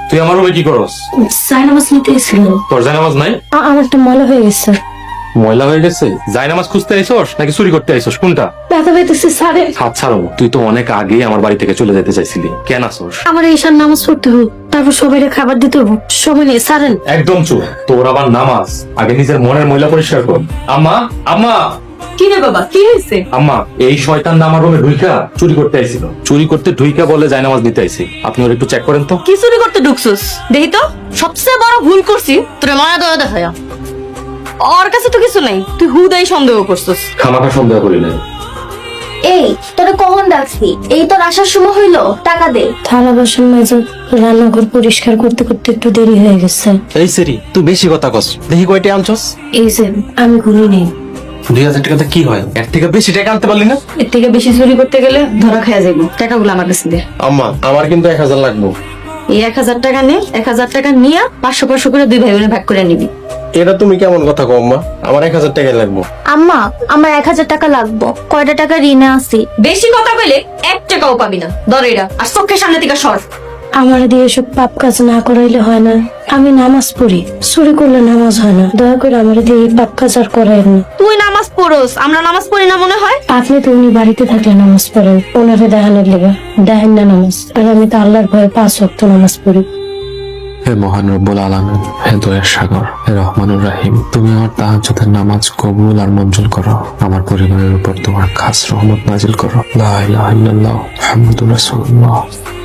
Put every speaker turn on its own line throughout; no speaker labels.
তুই আমার রুমে কি করস?
জায়নামাজ নিতে এসেছিল।
তোর জায়নামাজ নাই?
আমার একটা ময়লা হয়ে গেছে।
ময়লা হয়ে গেছে? জায়নামাজ খুঁজতে আইছস নাকি চুরি করতে আইছস, কোনটা?
ব্যথা পাইতেছে স্যারে।
হাত ছাড়ো, তুই তো অনেক আগে আমার বাড়ি থেকে চলে যেতে চাইছিলি, কেন আসস?
আমার ঈশার নামাজ পড়তে হোক, তারপর সবাইকে খাবার দিতে হোক, সময় নেই সারেন।
একদম চুপ, তোর আবার নামাজ? আগে নিজের মনের ময়লা পরিষ্কার কর। আম্মা, আম্মা,
কি রে বাবা, কি হয়েছে?
আম্মা, এই শয়তান আমার রুমে ঢুইকা চুরি করতে আইছিল। চুরি করতে ঢুইকা বলে জায়নামাজ নিতে আইছি। আপনি ওর একটু চেক করেন তো।
কি চুরি করতে ঢুকছস? দেখি তো, সবচেয়ে বড় ভুল করছি তোরে মায়া দয়া দেখায়া। ওর কাছে তো কিছু নাই, তুই হুদাই সন্দেহ করছস।
খামাখা সন্দেহ করি নাই।
এই তোরা কখন ডাকছি? এই তোর আসার সময় হইলো, টাকা দে।
থালা বাসন মেজে রান্নাঘর পরিষ্কার করতে করতে একটু দেরি হয়ে গেছে।
এই সেরি, তুই বেশি কথা কস। দেখি কয়টা আনছস?
এই যে আমি ঘুরি নেই।
2000 টাকাতে কি হয়? এর থেকে বেশি টাকা আনতে পারলি না?
এর থেকে বেশি চুরি করতে গেলে ধরা খাওয়া যাইব। টাকাগুলো আমার কাছে দে।
আম্মা, আমার কিন্তু 1000 লাগবে।
এই 1000 টাকা নে, 1000 টাকা নিয়ে 500 করে দুই ভাই বোনে ভাগ করে নিবি।
এটা তুমি কেমন কথা কও আম্মা? আমার 1000 টাকাই লাগবে।
আম্মা, আমার 1000 টাকা লাগবো। কয়টা টাকা ঋণে আছি।
বেশি কথা কইলে 1 টাকাও পাবি না। ধর এটা, আর চোখের সামনে থেকে সর।
আমার দিয়ে এসব পাপ কাজ না করাইলে হয় না। আমি নামাজ পড়ি, চুরি করলে নামাজ হয় না। দয়া করে আমার দিয়ে এই পাপ কাজ আর করাইন না।
তুই নামাজ পড়োস, আমরা নামাজ পড়ি না মনে হয়?
আপনি তো উনি বাড়িতে থাকলে নামাজ পড়েন, ওনারে দেখানোর লেগে দেখেন না নামাজ। আর আমি তো আল্লাহর ভয়ে 5 ওয়াক্ত নামাজ পড়ি।
হে মহান রব্বুল আলামিন, হে দয়ার সাগর, হে রহমানুর রাহিম, তুমি আমার তাহাজ্জুদের নামাজ কবুল আর মঞ্জুর করো। আমার পরিবারের উপর তোমার খাস রহমত নাজিল করো। লা ইলাহা ইল্লাল্লাহ মুহাম্মাদুর রাসূলুল্লাহ।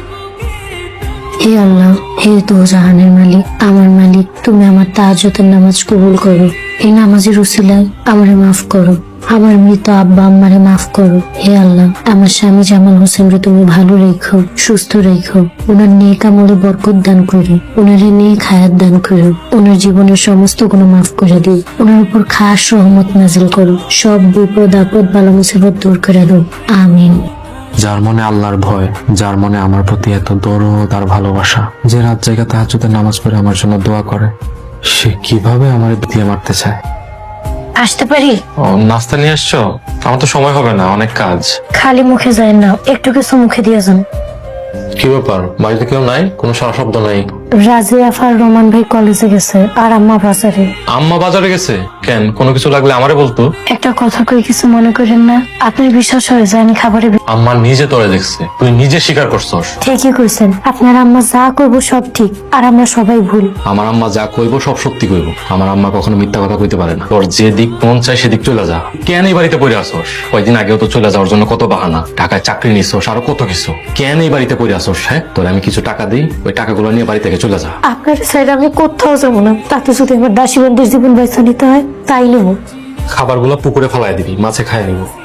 হে আল্লাহ, হে দোজাহানের মালিক, আমার মালিক, তুমি আমার তাহাজ্জুদের নামাজ কবুল করো। এই নামাজের উসিলায় আমারে মাফ করো। আমার মৃত আব্বা আম্মারে মাফ করো। হে আল্লাহ, আমার স্বামী জামাল হোসেনরে তুমি ভালো রেখো, সুস্থ রেখো। ওনার নেক আমলে বরকত দান করো, ওনারে নেক হায়াত দান করো। ওনার জীবনের সমস্ত গুণ মাফ করে দিও। ওনার উপর খাস রহমত নাজিল করো। সব বিপদ আপদ বালা মুসিবত দূর করে দাও, আমিন।
যার মনে আল্লাহর ভয়, যার মনে আমার প্রতি এত দরদ আর ভালোবাসা, যে রাত জায়গা তাহাজ্জুদের নামাজ পড়ে আমার জন্য দোয়া করে, সে কিভাবে আমার দিয়ে মারতে চায়?
আসতে পারি?
ও, নাস্তা নিয়ে আসছো? আমার তো সময় হবে না, অনেক কাজ।
খালি মুখে যায় না, একটু কিছু মুখে দিয়ে যান।
কি ব্যাপার, বাড়িতে কেউ নাই? কোনো সারা শব্দ নাই।
রাজিয়া আর রোমান ভাই কলেজে গেছে, আর আম্মা বাজারে।
আম্মা বাজারে গেছে কেন? কোনো কিছু লাগলে আমারে বলতো।
একটা কথা কই, কিছু মনে করেন না। আপনার বিশ্বাস হয়ে যায় আমি খাবারে
আম্মা নিজে তোরে দেখছে, তুই নিজে স্বীকার করছস।
ঠিকই কইছেন। আপনার আম্মা যা করবো সব ঠিক, আর আমরা সবাই ভুল।
আমার আম্মা যা কইবো সব সত্যি কইবো। আমার আম্মা কখনো মিথ্যা কথা কইতে পারে না। তোর যে দিক মন চায় সেদিক চলে যা। কেন এই বাড়িতে পড়ে আসোস? কয়েকদিন আগেও তো চলে যাওয়ার জন্য কত বাহানা। ঢাকায় চাকরি নিছোস, আরো কত কিছু। কেন এই বাড়িতে পড়ে আসোস? হ্যাঁ, তোর আমি কিছু টাকা দিই, ওই টাকাগুলো নিয়ে বাড়ি থেকে চলে যা।
আপনার সাইড আমি কোথাও যাবো না। তাতে যদি আমার দাসী বন্ধুর জীবন বেছে নিতে হয় তাই নেবো।
খাবারগুলো পুকুরে ফেলায় দিবি, মাছে খায় নিবো।